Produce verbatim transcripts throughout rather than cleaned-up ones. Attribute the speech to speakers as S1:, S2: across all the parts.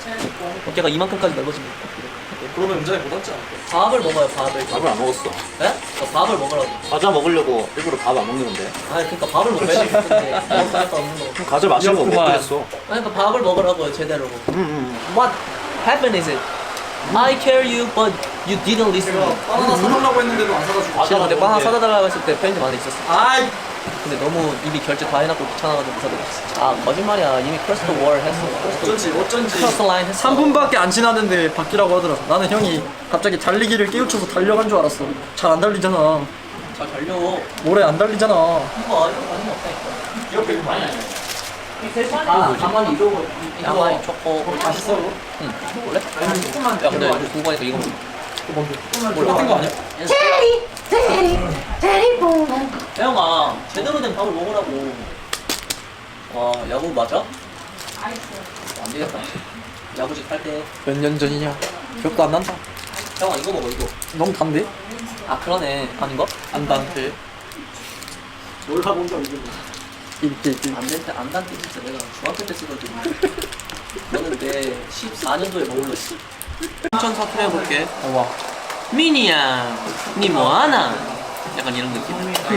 S1: 어깨가 이만큼까지 넓어집니다.
S2: 그러면 운전이 못 앉지 않을까?
S1: 밥을 먹어요, 밥을.
S3: 밥을 안 먹었어.
S1: 네? 저 밥을 먹으라고.
S3: 과자 먹으려고 일부러 밥 안 먹는 건데.
S1: 아니, 그러니까 밥을 먹어야 되는데 먹을 수 없는 거.
S3: 그럼 과자 마시는 거못 그랬어.
S1: 아니, 그러니까 밥을 먹으라고요, 제대로.
S3: 음, 음.
S1: What happened is it? I care you, but you didn't listen.
S2: 내가 바나나 사달라고 했는데도 안 사다 주고.
S1: 제가 근데 빵 하나 사다 달라고 했을 때 편의점 안에 있었어.
S2: 아이.
S1: 근데 너무 이미 결제 다 해놨고 귀찮아가지고 못 사드렸어. 아, 거짓말이야. 이미 크로스 월 했어.
S2: 어쩐지 어쩐지.
S1: 크로스 라인 했어.
S4: 삼 분밖에 안 지났는데 바뀌라고 하더라. 나는 형이 갑자기 달리기를 깨우쳐서 달려간 줄 알았어. 잘 안 달리잖아.
S1: 잘 달려.
S4: 모래 안 달리잖아.
S1: 이거 이런 거 아닌 거 없다니까.
S2: 이렇게 많이.
S1: 아, 가만히 이러고 가만히 초코.
S2: 맛있어.
S1: 응. 원래? 야, 근데 그거 보니까 이거
S2: 뭘 같은 거 아니야?
S5: 체리 체리 체리 봉
S1: 혜영아, 제대로 된 밥을 먹으라고. 와, 야구 맞아? 안 되겠다. 야구직 할 때.
S4: 몇 년 전이냐? 기억도 안 난다.
S1: 혜영아, 이거 먹어, 이거.
S4: 너무 단데?
S1: 아, 그러네. 아닌가?
S4: 안 단데.
S2: 몰라 본적 이게.
S4: 이렇게 이렇게.
S1: 안 될 때, 안 단 때 진짜 내가 중학교 때 쓰거든. 너는 내 십사 년도에 먹을래. 춘천 사투리 해볼게.
S4: 와.
S1: 미니야, 니 뭐하나? 약간 이런 느낌.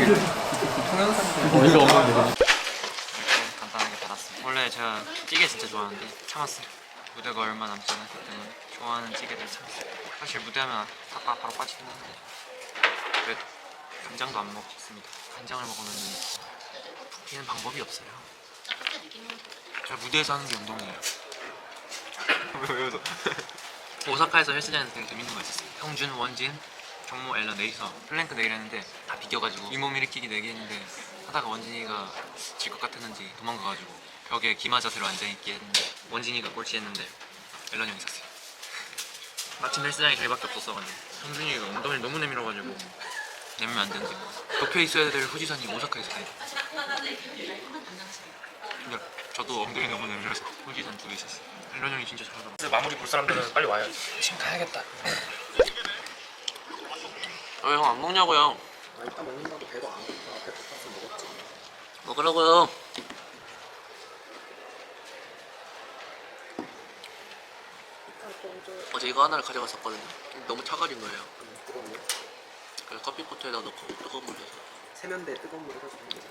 S4: 어이가 없는데.
S6: 간단하게 받았습니다. 원래 제가 찌개 진짜 좋아하는데 참았어요. 무대가 얼마 남지 않았기 때문에 좋아하는 찌개를 참았어요. 사실 무대하면 닭가 바로 빠지긴 하는데 그래도 간장도 안 먹습니다. 간장을 먹으면 붓기는 방법이 없어요. 제가 무대에서 하는 게 운동이에요. 왜, 왜 웃어? 오사카에서 헬스장에서 되게 재밌는 거 있었어요. 형준, 원진, 정모, 앨런 넷이서 플랭크 내기를 했는데 다 비껴가지고 윗몸 일으키기 내기 했는데 하다가 원진이가 질 것 같았는지 도망가가지고 벽에 기마 자세로 앉아있기 했는데 원진이가 꼴찌했는데 앨런 형이 샀어요. 마침 헬스장이 저희밖에 없었어가지고 형준이가 엉덩이를 너무 내밀어가지고 내밀면 안 되는데 도쿄에 있어야 될 후지산이 오사카에 있어요. 근데 저도 엉덩이 너무 내밀어서 후지산 두 개 있었어요. 앨런 형이 진짜 잘하더라고요. 마무리 볼 사람들은 빨리 와요. 지금 가야겠다. 왜 형 안 먹냐고요?
S2: 일단 먹는다고 배도 안 고파. 배도 고파서 먹었지.
S1: 먹으라고요. 어제 이거 하나를 가져갔었거든요. 너무 차가진 거예요.
S2: 뜨겁네.
S1: 그래서 커피포트에다 넣고 뜨거운 물 넣어서
S2: 세면대 뜨거운 물 해가지고 먹는 거지.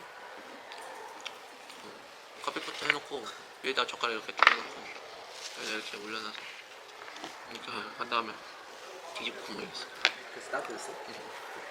S1: 커피포트 해놓고 위에다 젓가락 이렇게 쭉 해놓고 여기다 이렇게 올려놔서 이렇게 한 다음에 뒤집고 먹겠어.
S2: 그래서 따뜻했어?